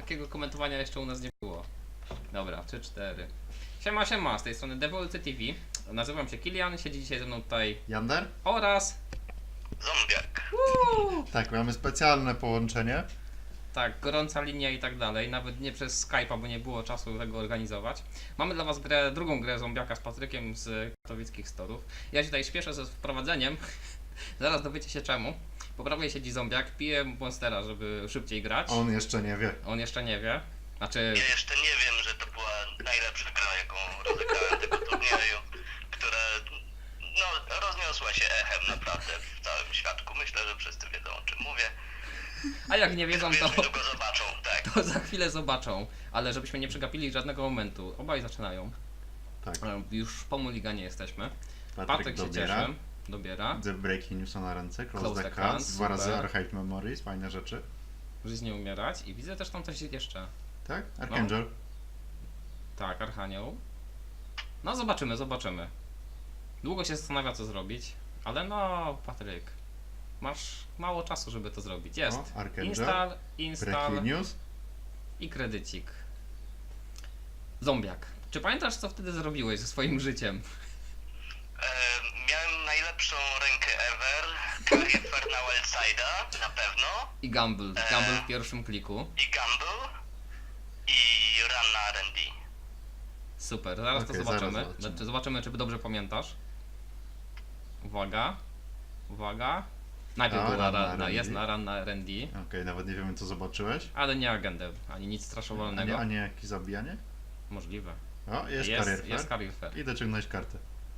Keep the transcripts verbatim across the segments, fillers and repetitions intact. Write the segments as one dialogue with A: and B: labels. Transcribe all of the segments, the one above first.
A: takiego komentowania jeszcze u nas nie było. Dobra, trzy cztery. Siema, siema, z tej strony Devolcy T V. Nazywam się Kilian, siedzi dzisiaj ze mną tutaj
B: Jander?
A: oraz...
C: Zombiak.
A: Uuu,
B: Tak, mamy specjalne połączenie.
A: tak, gorąca linia i tak dalej, nawet nie przez Skype'a, bo nie było czasu tego organizować. Mamy dla was grę, drugą grę Zombiaka z Patrykiem z katowickich storów. Ja się tutaj śpieszę ze wprowadzeniem, zaraz dowiecie się czemu. Po prawej siedzi Zombiak, pije Monstera, żeby szybciej grać.
B: On jeszcze nie wie.
A: On jeszcze nie wie. Znaczy...
C: Ja jeszcze nie wiem, że to była najlepsza gra, jaką rozegrałem tego turnieju, która no, rozniosła się echem naprawdę w całym świadku. Myślę, że wszyscy wiedzą, o czym mówię.
A: A jak nie wiedzą,
C: Wiesz,
A: to,
C: niedługo zobaczą, tak.
A: to za chwilę zobaczą. Ale żebyśmy nie przegapili żadnego momentu. Obaj zaczynają.
B: Tak.
A: E, Już po Mulliganie jesteśmy.
B: Patryk,
A: Patryk się
B: dobiera.
A: cieszy. Dobiera.
B: The Breaking Newsa na ręce, Close,
A: Close
B: the
A: the
B: Cards,
A: Cards,
B: dwa razy
A: super.
B: Archive Memories, fajne rzeczy.
A: Żyć nie umierać. I widzę też tam coś jeszcze.
B: Tak? Archangel.
A: Tak, Archanioł. No zobaczymy, zobaczymy. Długo się zastanawia co zrobić. Ale no, Patryk. Masz mało czasu, żeby to zrobić. Jest.
B: O, Archangel.
A: Install, install
B: Breaking News.
A: i kredycik. Zombiak. Czy pamiętasz co wtedy zrobiłeś ze swoim życiem?
C: E, miałem najlepszą rękę ever, Clarifer na Wildside'a, na pewno,
A: I Gamble. Gamble w pierwszym kliku.
C: i Gamble, i Run na R and D.
A: Super, zaraz to
B: Okej,
A: zobaczymy.
B: zaraz zobaczymy.
A: Znaczy, zobaczymy, czy dobrze pamiętasz. Uwaga. Uwaga. Najpierw
B: A,
A: była
B: run na
A: run na,
B: R and D.
A: jest na run na R and D,
B: Okej, nawet nie wiemy co zobaczyłeś.
A: ale nie agendę, ani nic
B: A
A: straszowalnego.
B: nie, a nie jakieś zabijanie?
A: Możliwe.
B: O, jest,
A: Jest,
B: Career
A: jest
B: Fair.
A: Career Fair.
B: I dociągnąć kartę.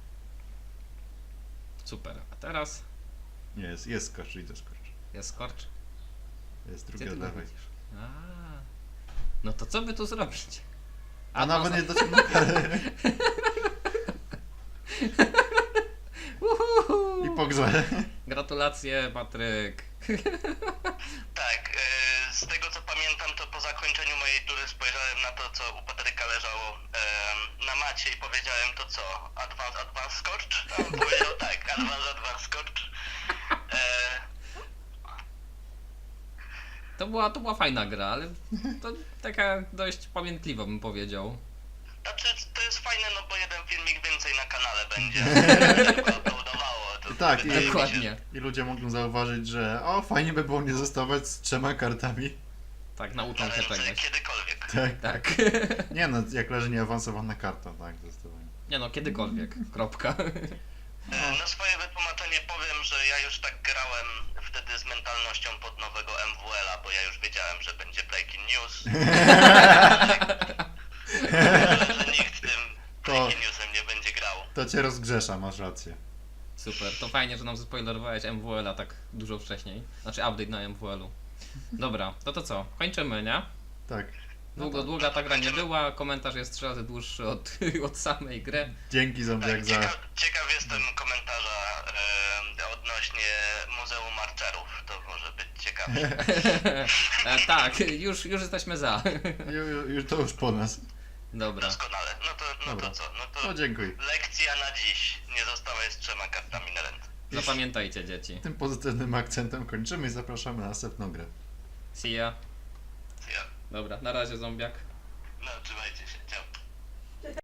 A: Super. A teraz
B: Nie, jest, jest skocz, idę skocz.
A: jest Scorch.
B: Jest
A: Gdzie
B: drugi
A: ty
B: od
A: go
B: lewej.
A: widzisz? A. No to co by tu zrobić?
B: A nawet
A: to-
B: nie dociągnął karty.
A: Uhuhu.
B: I po grze.
A: Gratulacje, Patryk.
C: Tak, e, z tego co pamiętam, to po zakończeniu mojej tury spojrzałem na to, co u Patryka leżało e, na macie i powiedziałem to co? Advance, advance Scorch? A on powiedział tak, advance, advance Scorch. E,
A: To była, to była fajna gra, ale to taka dość pamiętliwa bym powiedział.
C: znaczy, to jest fajne, no bo jeden filmik więcej na kanale będzie. Szybko uploadowało. To
B: Tak, i-
C: wydaje mi się-
A: Dokładnie.
B: I ludzie mogą zauważyć, że o, fajnie by było nie zostawać z trzema kartami.
A: Tak, nauczą
C: na
A: się
C: ręce
A: czegoś.
C: kiedykolwiek.
B: Tak.
A: Tak.
B: Nie no, jak leży nieawansowana karta, tak, zdecydowanie.
A: Nie no, kiedykolwiek. Kropka.
C: E, Na swoje wytłumaczenie powiem, że ja już tak grałem wtedy z mentalnością pod nowego M W L-a, bo ja już wiedziałem, że będzie Breaking News. Myślę, że nikt tym Breaking Newsem nie będzie grał.
B: To cię rozgrzesza, masz rację.
A: Super, to fajnie, że nam zaspoilerowałeś M W L-a tak dużo wcześniej. Znaczy update na M W L-u. Dobra, to to co? Kończymy, nie?
B: Tak.
A: Długo, długa ta gra nie była, komentarz jest trzy razy dłuższy od, od samej gry.
B: Dzięki Zombiak
C: Tak,
B: za...
C: ciekaw, ciekaw jestem komentarza e, odnośnie Muzeum Marcerów. To może być ciekawe.
A: E, tak, już, już jesteśmy za.
B: Ju, ju, już to już po nas.
A: Dobra,
C: Doskonale. No to, no
B: Dobra.
C: to co? No to
B: No dziękuję.
C: lekcja na dziś. Nie zostawaj z trzema kartami na ręce.
A: zapamiętajcie dzieci.
B: Tym pozytywnym akcentem kończymy i zapraszamy na następną grę.
A: See ya.
C: Ja.
A: Dobra, na razie zombiak.
C: No, trzymajcie się. Ciao.